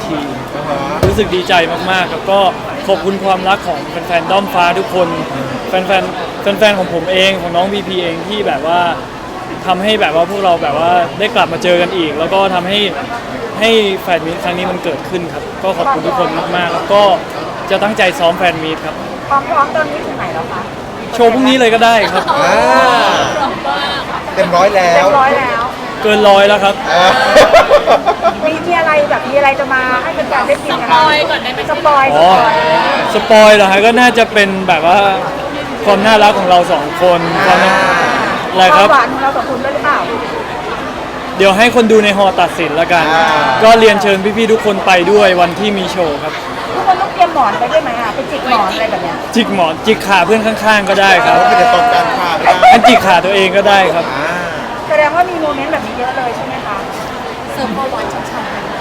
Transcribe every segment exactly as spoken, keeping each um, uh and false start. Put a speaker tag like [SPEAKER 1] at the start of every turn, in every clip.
[SPEAKER 1] ทีรู้สึกดีใจมากๆครับก็ขอบคุณความรักของแฟนๆด้อมฟ้าทุกคนแฟนๆแฟนๆของผมเองของน้องพีพีเองที่แบบว่าทำให้แบบว่าพวกเราแบบว่าได้กลับมาเจอกันอีกแล้วก็ทำให้ให้แฟนมีตครั้งนี้มันเกิดขึ้นครับก็ขอบคุณทุกคนมากๆแล้วก็จะตั้งใจซ้อมแฟนมีตครับ
[SPEAKER 2] ความพร้อมตอนนี้ถึงไหนแล้วคะ
[SPEAKER 1] โชว์พรุ่งนี้เลยก็ได้ครับ
[SPEAKER 3] เต็มร้อยแล้ว
[SPEAKER 2] เต็มร้อยแล้ว
[SPEAKER 1] เกินร้อยแล้วครับ
[SPEAKER 2] มีมีอะไรแบบมีอะไรจะมาให้เป็นการได้กินกันสปอยก่อนได้ไหมสปอย
[SPEAKER 1] อ๋อสปอยเหรอฮะก็น่าจะเป็นแบบว่าความน่ารักของเราสองคนความอะไรครับ
[SPEAKER 2] ความหวานของเราสองคนด้วยหรือเปล่า
[SPEAKER 1] เดี๋ยวให้คนดูในฮอตัดสินแล้วกันก็เรียนเชิญพี่ๆทุกคนไปด้วยวันที่มีโชว์ครับ
[SPEAKER 2] ทุกคนต้องเตรียมหมอนไปด้วยไหมอ่ะไปจิกหมอนอะไรแบบเนี้ย
[SPEAKER 1] จิกหมอนจิกขาเพื่อนข้างๆก็ได้ครับ
[SPEAKER 3] ไม่ได้ตรงกันค่ะ
[SPEAKER 1] อันจิกขาตัวเองก็ได้ครับ
[SPEAKER 2] แสดงว่ามีโมเมนต์แบบนี้เยอะเลยใช่ไหมคะเสริมความหวานช้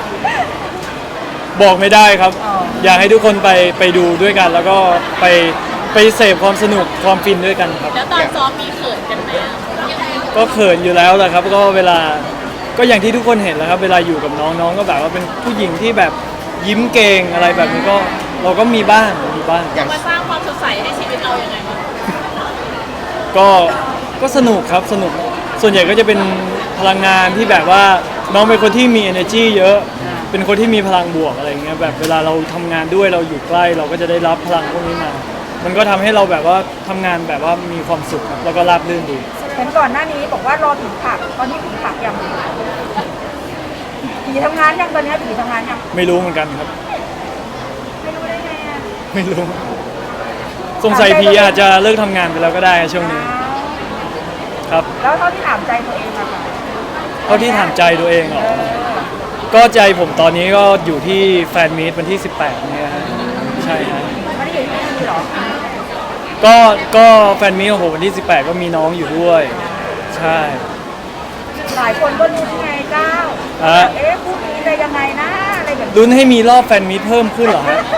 [SPEAKER 1] ำบอกไม่ได้ครับอยากให้ทุกคนไปไปดูด้วยกันแล้วก็ไปไปเสพความสนุกความฟินด้วยกันครับ
[SPEAKER 4] แล้วตอนซ้อมมีเขินกันไหม
[SPEAKER 1] ก็เขินอยู่แล้วแหละครับก็เวลาก็อย่างที่ทุกคนเห็นแล้วครับเวลาอยู่กับน้องน้องก็แบบว่าเป็นผู้หญิงที่แบบยิ้มเก่งอะไรแบบนี้ก็เราก็มีบ้างมีบ้าง
[SPEAKER 4] มาสร้างความสดใสให้ชีวิตเราอย่างไรบ้าง
[SPEAKER 1] ก็ก็สนุกครับสนุกส่วนใหญ่ก็จะเป็นพลังงานที่แบบว่าน้องเป็นคนที่มี energy เยอะเป็นคนที่มีพลังบวกอะไรเงี้ยแบบเวลาเราทำงานด้วยเราอยู่ใกล้เราก็จะได้รับพลังพวกนี้มามันก็ทำให้เราแบบว่าทำงานแบบว่ามีความสุขแล้วก็ราบรื่นดี
[SPEAKER 2] เห็นก่อนหน้านี้บอกว่ารอถึงผักตอนนี้ถึงผักยังผีทำงานยังตอนนี้ผีทำงานยัง
[SPEAKER 1] ไม่รู้เหมือนกันครับ
[SPEAKER 2] ไม่รู้ได้ไงอ่ะ
[SPEAKER 1] ไม่รู้สงสัยผีอาจจะเลิกทำงานไปแล้วก็ได้ช่วงนี้ครับ
[SPEAKER 2] แล้วเท่าที่ถามใจตัวเองอะค่ะ
[SPEAKER 1] เท่าที่ถามใจตัวเองเหรอก็ใจผมตอนนี้ก็อยู่ที่แฟนมีตวันที่สิบแปดเนี่ยฮะใช่ฮะ
[SPEAKER 2] ไม่ได้อยู่ที่นี่หรอ
[SPEAKER 1] ก็ก็แฟนมีตของผมวันที่สิบแปดก็มีน้องอยู่ด้วยใช่
[SPEAKER 2] หลายคนก็ลุ้นไงเจ้าเอ๊ะพรุ่งนี้จะยังไงนะอะไรแบบ
[SPEAKER 1] ลุ้นให้มีรอบแฟนมีตเพิ่มขึ้นเหรอฮะ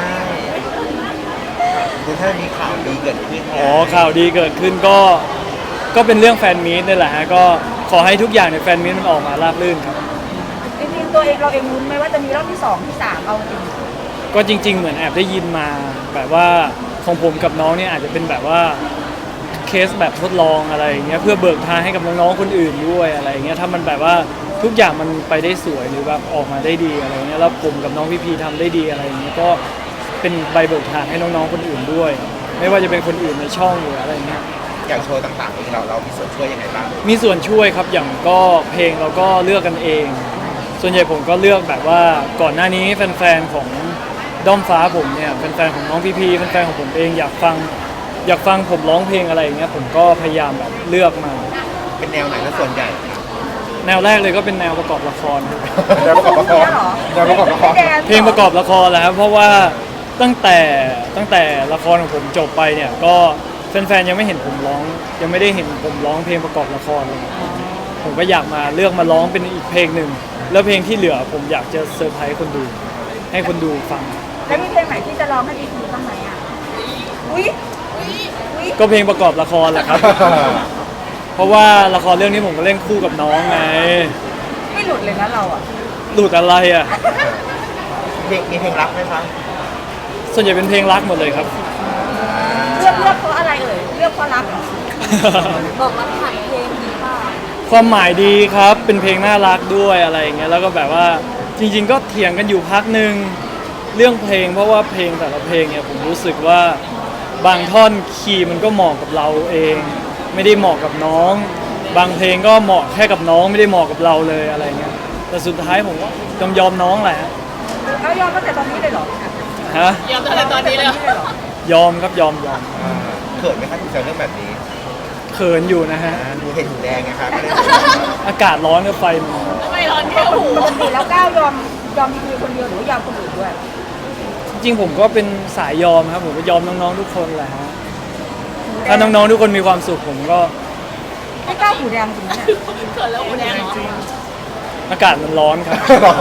[SPEAKER 3] คือถ้ามีข่าวดีเกิดขึ้น
[SPEAKER 1] อ๋อข่าวดีเกิดขึ้นก็ก็เป็นเรื่องแฟนมีตนี่แหละฮะก็ขอให้ทุกอย่างในแฟนมีตมันออกมาราบรื่นครับ
[SPEAKER 2] จริงๆตัวเองเราเองลุ้นไหมว่าจะมีรอบที่สองที่สามเอาจริง
[SPEAKER 1] ก็จริงๆเหมือนแอบได้ยินมาแบบว่าของผมกับน้องเนี่ยอาจจะเป็นแบบว่าเคสแบบทดลองอะไรอย่างเงี้ยเพื่อเบิกทางให้กับน้องๆคนอื่นด้วยอะไรอย่างเงี้ยถ้ามันแบบว่าทุกอย่างมันไปได้สวยหรือแบบออกมาได้ดีอะไรเงี้ยแล้วผมกับน้องพี่พีทำได้ดีอะไรอย่างเงี้ยก็เป็นใบเบิกทางให้น้องๆคนอื่นด้วยไม่ว่าจะเป็นคนอื่นในช่องหรืออะไรเงี้ย
[SPEAKER 3] อย่างโชว์ต่างๆเองเราเรามีส่วนช่วยยังไงบ้าง
[SPEAKER 1] มีส่วนช่วยครับอย่างก็เพลงเราก็เลือกกันเองส่วนใหญ่ผมก็เลือกแบบว่าก่อนหน้านี้แฟนๆของด้อมฟ้าผมเนี่ยแฟนๆของน้องพีพีแฟนๆของผมเองอยากฟังอยากฟังผมร้องเพลงอะไรอย่างเงี้ยผมก็พยายามแบบเลือกมา
[SPEAKER 3] เป็นแนวไหนแล้วส่วนใหญ่
[SPEAKER 1] แนวแรกเลยก็เป็นแนวประกอบละคร
[SPEAKER 3] แนวประกอบละครแนวประกอบละคร
[SPEAKER 1] เพลงประกอบละครแหละครับเพราะว่าตั้งแต่ตั้งแต่ละครของผมจบไปเนี่ยก็แฟนๆยังไม่เห็นผมร้องยังไม่ได้เห็นผมร้องเพลงประกอบละครเลยผมก็อยากมาเลือกมาร้องเป็นอีกเพลงหนึ่งแล้วเพลงที่เหลือผมอยากจะเซอร์ไพรส์คนดูให้คนดูฟัง
[SPEAKER 2] แล้วมีเพลงไหนที่จะร้องให้ดีๆบ้างไหมอ่ะอุ้ย
[SPEAKER 1] ก็เพลงประกอบละครแหละครับเพราะว่าละครเรื่องนี้ผมก็เล่นคู่กับน้องไง
[SPEAKER 2] ไม่หลุดเลยนะเราอ่ะ
[SPEAKER 1] หลุดอะไรอ่ะ
[SPEAKER 3] เพลงมีเพลงรักไหมคะ
[SPEAKER 1] ส่วนใหญ่เป็นเพลงรักหมดเลยครับ
[SPEAKER 2] เลือกเลือกเพราะอะไรเอ่ยเลือกเพราะรักบอกรักผ่านเพลงดีป่ะ
[SPEAKER 1] ความหมายดีครับเป็นเพลงน่ารักด้วยอะไรอย่างเงี้ยแล้วก็แบบว่าจริงๆก็เถียงกันอยู่พักนึงเรื่องเพลงเพราะว่าเพลงแต่ละเพลงเนี่ยผมรู้สึกว่าบางท่อนคีย์มันก็เหมาะกับเราเองไม่ได้เหมาะกับน้องบางเพลงก็เหมาะแค่กับน้องไม่ได้เหมาะกับเราเลยอะไรเงี้ยแต่สุดท้ายผมก็ยอมยอมน้องแหละ
[SPEAKER 2] แล้วยอมตั้งแต่ตอนนี้เลยเหรอ
[SPEAKER 1] ฮะ
[SPEAKER 4] ยอมตั้งแต่ตอนนี้เลย
[SPEAKER 1] ยอมครับยอมยอม
[SPEAKER 3] เขินไหมครับที่เจอเรื่องแบบนี้
[SPEAKER 1] เขินอยู่นะฮะ
[SPEAKER 3] ดูเห็นหูแดงไงครับ
[SPEAKER 1] อากาศร้อนกับไฟมัน
[SPEAKER 4] ไม่ร้อนแค่หู
[SPEAKER 2] แล้วก้าวยอมยอมมีคนเดียวหรือยอมคนอื่นด้วย
[SPEAKER 1] จริงผมก็เป็นสายยอมครับผมก็ยอมน้องๆทุกคนแหละฮะถ้าน้องๆทุกคนมีความสุขผมก็
[SPEAKER 2] ไม่กล้าหูแดงจริงเนี่ย
[SPEAKER 4] เกิดแล้วหูแดงเหรอ
[SPEAKER 1] อากาศมันร้อนครับ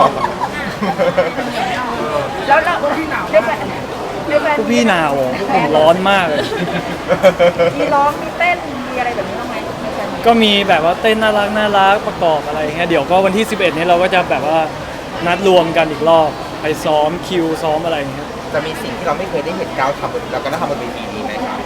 [SPEAKER 2] แล้วเราพี่หนาวได้แฟนได้แฟน
[SPEAKER 1] พี่หนาวผมร้อนมากเลย
[SPEAKER 2] มีร้องมีเต้นมีอะไรแบบนี้บ้างไหม
[SPEAKER 1] ก็มีแบบว่าเต้นน่ารักน่ารักประกอบอะไรเงี้ยเดี๋ยวก็วันที่สิบเอ็ดนี้เราก็จะแบบว่านัดรวมกันอีกรอบไปซ้อมคิวซ้อมอะไรอย่างเงี้ย
[SPEAKER 3] จะมีสิ่งที่เราไม่เคยได้เห็นก้าวทำบนเราก็ได้ทำบนเวทีนี้ไหมครับ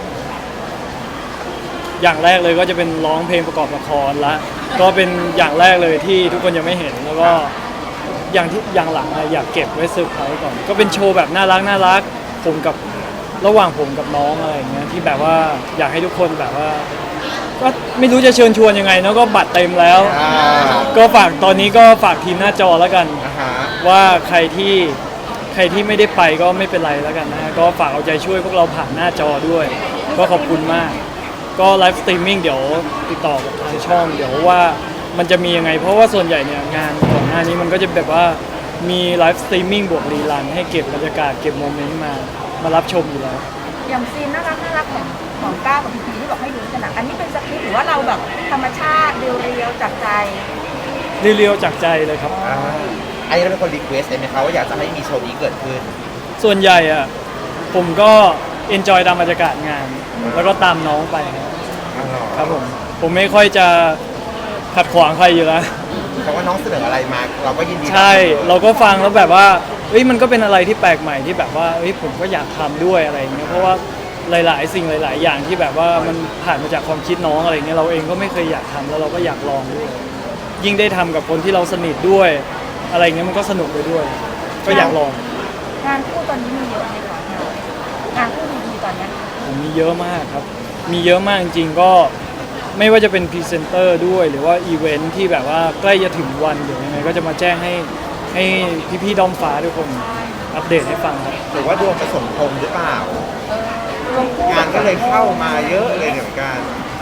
[SPEAKER 1] อย่างแรกเลยก็จะเป็นร้องเพลงประกอบละครละก็เป็นอย่างแรกเลยที่ทุกคนยังไม่เห็นแล้วก็อย่างที่อย่างหลังอะอยากเก็บไว้เซอร์ไพรส์ก่อนก็เป็นโชว์แบบน่ารักน่ารักผมกับระหว่างผมกับน้องอะไรอย่างเงี้ยที่แบบว่าอยากให้ทุกคนแบบว่า ก็ไม่รู้จะเชิญชวนยังไงเนอะก็บัตรเต็มแล้ว
[SPEAKER 3] อ่า
[SPEAKER 1] ก็ฝากตอนนี้ก็ฝากทีมหน้าจอแล้วกัน
[SPEAKER 3] อ่าฮะ
[SPEAKER 1] ว่าใครที่ใครที่ไม่ได้ไปก็ไม่เป็นไรแล้วกันนะก็ฝากเอาใจช่วยพวกเราผ่านหน้าจอด้วย ก็ขอบคุณมาก ก็ไลฟ์สตรีมมิ่งเดี๋ยวติดต่อกับทางช่อง เดี๋ยวว่ามันจะมียังไง เพราะว่าส่วนใหญ่เนี่ยงานก่อนหน้านี้มันก็จะแบบว่ามีไลฟ์สตรีมมิ่งบวกรีลันให้เก็บบรรยากาศเก็บโมเมนต์มามารับชมอยู่แล้ว
[SPEAKER 2] อย่างซีนน่ารักน่ารักของของก้าวกับพีพีที่บอกให้ดูกันนะอันนี้เป็นสคริปต์หรือว่าเราแบบธรรมชาติเรียวๆจากใจ
[SPEAKER 1] เรียวๆจากใจเลยครับ
[SPEAKER 3] อ่าอันนี้เราเป็นคนรีเควสต์เองไหมคะว่าอยากจะให้มีโชว์นี้เกิดขึ้น
[SPEAKER 1] ส่วนใหญ่อะผมก็เอนจอยตามบรรยากาศงาน แล้วก็ตามน้องไปครับ
[SPEAKER 3] อ๋อเหรอ
[SPEAKER 1] ครับผมผมไม่ค่อยจะขัดขวางใครอยู่แล้ว
[SPEAKER 3] เพราะว่าน้องเสนออะไรมาเราก็ยินดี
[SPEAKER 1] ใช่เราก็ฟังแล้วแบบว่าเฮ้ยมันก็เป็นอะไรที่แปลกใหม่ที่แบบว่าเฮ้ยผมก็อยากทำด้วยอะไรอย่างเงี้ยเพราะว่าหลายๆ สิ่งหลาย ๆ อย่างที่แบบว่ามันผ่านมาจากความคิดน้องอะไรเงี้ยเราเองก็ไม่เคยอยากทำแล้วเราก็อยากลองด้วย ยิ่งได้ทำกับคนที่เราสนิทด้วย อะไรเงี้ยมันก็สนุกไปด้วย ก็อยากลอง
[SPEAKER 2] งานคู่ตอนนี้มีเยอะไหมคะงานคู่ดีๆตอนเนี้ย
[SPEAKER 1] ผมมีเยอะมากครับ มีเยอะมากจริงๆก็ไม่ว่าจะเป็นพรีเซนเตอร์ด้วยหรือว่าอีเวนท์ที่แบบว่าใกล้จะถึงวันเดี๋ยวยังไงก็จะมาแจ้งให้ให้พี่ๆด้อมฟ้าทุกคนอัปเดตให้ฟังครับ
[SPEAKER 3] หรือว่าดวงผสมพงษ์หรือเปล่า
[SPEAKER 2] รวมคู่
[SPEAKER 3] งานก็เลยเข้ามาเยอะเลยเหมือนกัน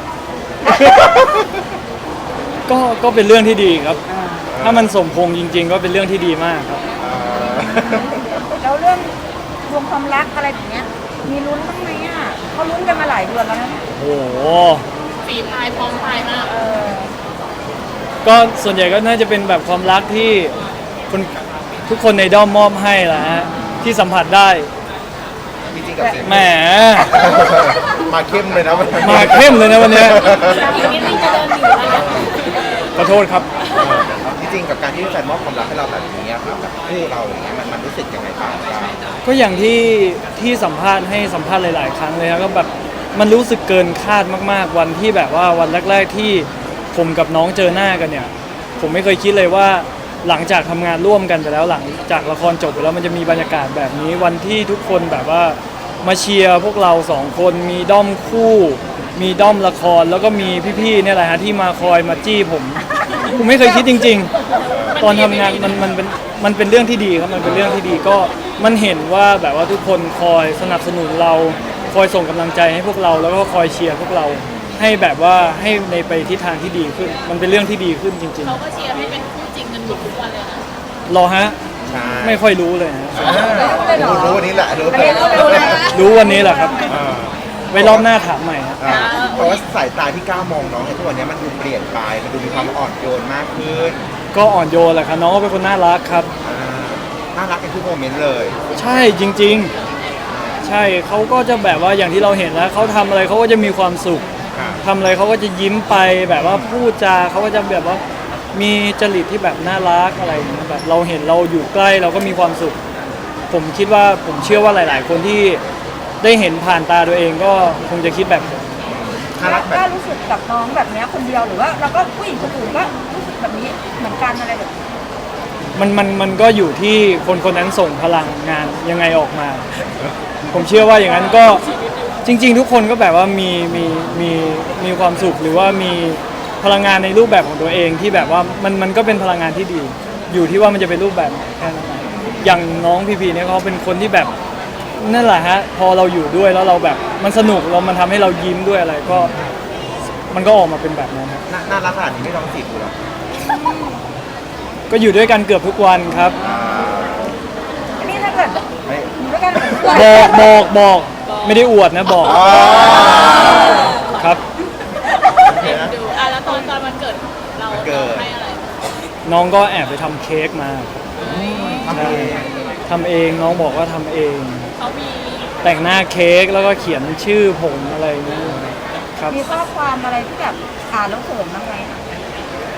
[SPEAKER 1] ก็ก็เป็นเรื่องที่ดีครับ ถ้ามันสมพงษ์จริง ๆ ก็เป็นเรื่องที่ดีมากครับ
[SPEAKER 3] เอ่อ
[SPEAKER 2] แล้วเรื่องรวมความรักอะไรแบบเนี้ยมีลุ้นบ้างไหมอ่ะเขาลุ้นกันมาหลายเดือนแล้วนะ
[SPEAKER 1] โอ้โห
[SPEAKER 4] ฝีพายพร้อมพายมาก
[SPEAKER 2] เออ
[SPEAKER 1] ก็ส่วนใหญ่ก็น่าจะเป็นแบบความรักที่คนทุกคนในด้อมมอบให้แหละฮะที่สัมผัสได้
[SPEAKER 3] จริงๆกับเสียง
[SPEAKER 1] แหม
[SPEAKER 3] มาเข้มเลยนะวันนี้
[SPEAKER 1] มาเข้มเลยนะวันเนี้ย
[SPEAKER 4] อีกนิดนึงจะเดินหนีแล้วนะ
[SPEAKER 1] ขอโทษครับ
[SPEAKER 3] จริงๆกับการที่แฟนมอบความรักให้เราแบบนี้อะครับแบบคู่เราอย่างเงี้ยมันมันรู้สึกยังไงบ้างครับ
[SPEAKER 1] ก็อย่างที่ที่สัมภาษณ์ให้สัมภาษณ์หลาย ๆ ครั้งเลยครับก็แบบมันรู้สึกเกินคาดมาก ๆ วันที่แบบว่าวันแรก ๆ ที่ผมกับน้องเจอหน้ากันเนี่ย ผมไม่เคยคิดเลยว่าหลังจากทำงานร่วมกันไปแล้วหลังจากละครจบไปแล้วมันจะมีบรรยากาศแบบนี้วันที่ทุกคนแบบว่ามาเชียร์พวกเราสองคนมีด้อมคู่ มีด้อมละครแล้วก็มีพี่ๆเนี่ยแหละฮะที่มาคอยมาจี้ผม ผมไม่เคยคิดจริง ๆ ตอนทำงานมันมันเป็นมันเป็นเรื่องที่ดีครับมันเป็นเรื่องที่ดีก็มันเห็นว่าแบบว่าทุกคนคอยสนับสนุนเราคอยส่งกำลังใจให้พวกเราแล้วก็คอยเชียร์พวกเราให้แบบว่าให้ในไปทิศทางที่ดีขึ้น มันเป็นเรื่องที่ดีขึ้นจริง
[SPEAKER 4] เขาก็เชียร์ให้เป็นคู่จริงกันหมดทุกวันเลยนะ
[SPEAKER 1] ๆรอฮะ
[SPEAKER 3] ใช่
[SPEAKER 1] ไม่ค่อยรู้เลยฮะ
[SPEAKER 3] อ่ารู้รู้วันนี้แหละรู้
[SPEAKER 2] อันนี้รู้เลยนะ
[SPEAKER 1] รู้วันนี้แหละครับ
[SPEAKER 3] อ่า
[SPEAKER 1] ไว้รอบหน้าถามใหม่ฮะ
[SPEAKER 3] อ่าเพราะว่าสายตาที่ก้าวมองน้องในทุกวันนี้มันดูเปลี่ยนไปมันดูมีความอ่อนโยนมากขึ้น
[SPEAKER 1] ก็อ่อนโยนแหละครับน้องก็เป็นคนน่ารักครับ
[SPEAKER 3] อ่าน่ารักในทุกโมเมนต์เลย
[SPEAKER 1] ใช่จริง ๆ ใช่เขาก็จะแบบว่าอย่างที่เราเห็นแล้วเขาทำอะไรเขาก็จะมีความสุข
[SPEAKER 3] ครับ
[SPEAKER 1] ทำอะไรเขาก็จะยิ้มไปแบบว่าพูดจาเขาก็จะแบบว่ามีจริตที่แบบน่ารักอะไรอย่างเงี้ยแบบเราเห็นเราอยู่ใกล้เราก็มีความสุข ผมคิดว่าผมเชื่อว่าหลาย ๆ คนที่ได้เห็นผ่านตาตัวเองก็คงจะคิดแบบผม
[SPEAKER 3] น่ารักแบ
[SPEAKER 2] กล้า
[SPEAKER 3] บ
[SPEAKER 2] รู้สึกกับน้องแบบเนี้ยคนเดียวหรือว่าเราก็ผู้หญิงคนอื่นก็รู้สึกแบบนี้เหมือนกันอะไรแบบนี้
[SPEAKER 1] มันมันมันก็อยู่ที่คนคนนั้นส่งพลังงานยังไงออกมา ผมเชื่อว่าอย่างนั้นก็จริง ๆ ทุกคนก็แบบว่ามีมีมีมีความสุขหรือว่ามีพลังงานในรูปแบบของตัวเองที่แบบว่ามันมันก็เป็นพลังงานที่ดี อยู่ที่ว่ามันจะเป็นรูปแบบไหนแค่นั้นเองอย่างน้องพีพีเนี่ยเขาเป็นคนที่แบบนั่นแหละฮะพอเราอยู่ด้วยแล้วเราแบบมันสนุกเรามันทำให้เรายิ้มด้วยอะไรก็มันก็ออกมาเป็นแบบนั้นครับ
[SPEAKER 3] น่าน่ารักขนาดนี้ไม่ร้องจีบกูหรอก
[SPEAKER 1] ก็อยู่ด้วยกันเกือบทุกวันครับ
[SPEAKER 3] อ่า
[SPEAKER 2] อันนี้ถ้าเกิด
[SPEAKER 3] ไม่
[SPEAKER 2] อยู่ด้วยกันแบบนี้
[SPEAKER 1] บอกบอกบอกไม่ได้อวดนะบอก
[SPEAKER 3] อ๋อ
[SPEAKER 1] ครับ
[SPEAKER 3] โอเคนะ
[SPEAKER 4] ดูอ่ะแล้วตอนตอนวันเกิดเรา
[SPEAKER 3] วันเกิด
[SPEAKER 4] เราให้อะไร
[SPEAKER 1] น้องก็แอบไปทำเค้กมาครับ
[SPEAKER 3] ทำเอง
[SPEAKER 1] ทำเองน้องบอกว่าทำเอง
[SPEAKER 4] เขามี
[SPEAKER 1] แต่งหน้าเค้กแล้วก็เขียนชื่อผมอะไรอย่างเงี้ยครับ
[SPEAKER 2] มีข้อความอะไรที่แบบอ่านแล้วเขินบ้างไหม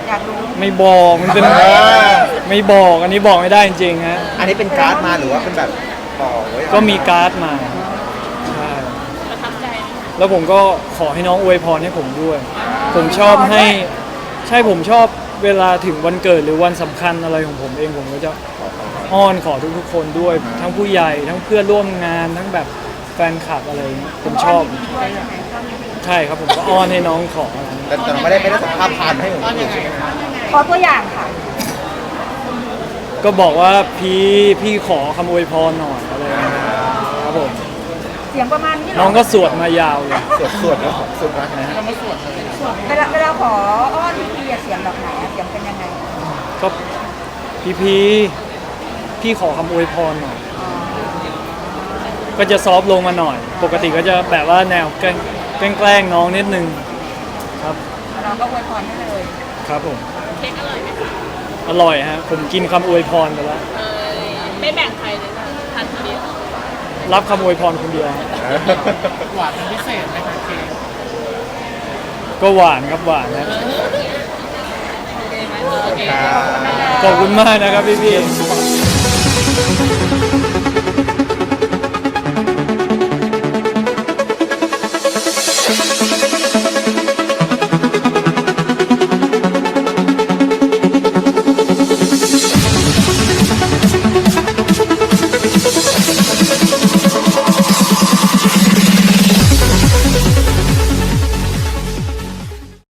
[SPEAKER 2] อยากรู้
[SPEAKER 1] ไม่บอกมันเป็น
[SPEAKER 3] อ่า
[SPEAKER 1] ไม่บอกอันนี้บอกไม่ได้จริงๆฮะ
[SPEAKER 3] อันนี้เป็นการ์ดมาหรือว่าเป็นแบบบอกไว้
[SPEAKER 1] ก็มีการ์ดมาใช่
[SPEAKER 4] ประทับใจไหม
[SPEAKER 1] แล้วผมก็ขอให้น้องอวยพรให้ผมด้วย ผมชอบให้ใช่ผมชอบเวลาถึงวันเกิดหรือวันสำคัญอะไรของผมเองผมก็จะอ้อนขอทุกๆคนด้วย ทั้งผู้ใหญ่ทั้งเพื่อนร่วมงานทั้งแบบแฟนคลับอะไรอย่างเงี้ยผมชอบ
[SPEAKER 2] ด้วยใช่ไหม
[SPEAKER 1] ใช่ครับผมก็อ้อนให้น้องขออะไรอย่างเงี้ย
[SPEAKER 3] แต่แต่เราไม่ได้ไม่ได้สัมภาษณ์ผ่านให้ผมดูใช่ไหมครับ
[SPEAKER 2] ขอตัวอย่างค่ะ
[SPEAKER 1] ก็บอกว่าพี่พี่ขอคำอวยพรหน่อยอะไรอย่างเงี้ยครับผม
[SPEAKER 2] เสียงประมาณนี้เหร
[SPEAKER 1] น้องก็สวดมายาวเลย
[SPEAKER 3] สวดสวดแล้วสวดนะฮะ
[SPEAKER 2] เวลาเวลาขออ้อนพี่พีอะเสียงแบบไหนอะเสียงเป็นยังไง
[SPEAKER 1] ก็พี่พี่พี่ขอคำอวยพรหน่อย ก็จะซอฟต์ลงมาหน่อย ปกติก็จะแบบว่าแนวแกล้งแกล้งแกล้งน้องนิดนึงครับ
[SPEAKER 2] เราก็อวยพรให้เลย
[SPEAKER 1] ครับผม
[SPEAKER 4] เค้กอร่อยไหมคะ
[SPEAKER 1] อร่อยฮะผมกินคำอวยพรไปแล้ว
[SPEAKER 4] เออไม่แบ่งใครเลยนะทานคนเดียว
[SPEAKER 1] รับคำอวยพรคนเดียวฮะ
[SPEAKER 5] หวานเป็นพิเศษไหมคะเค้ก
[SPEAKER 1] ก็หวานครับหวานนะ
[SPEAKER 4] โอเคไหมโอเค
[SPEAKER 3] ครับ
[SPEAKER 1] ขอบคุณมากนะครับพี่พี่
[SPEAKER 3] สุข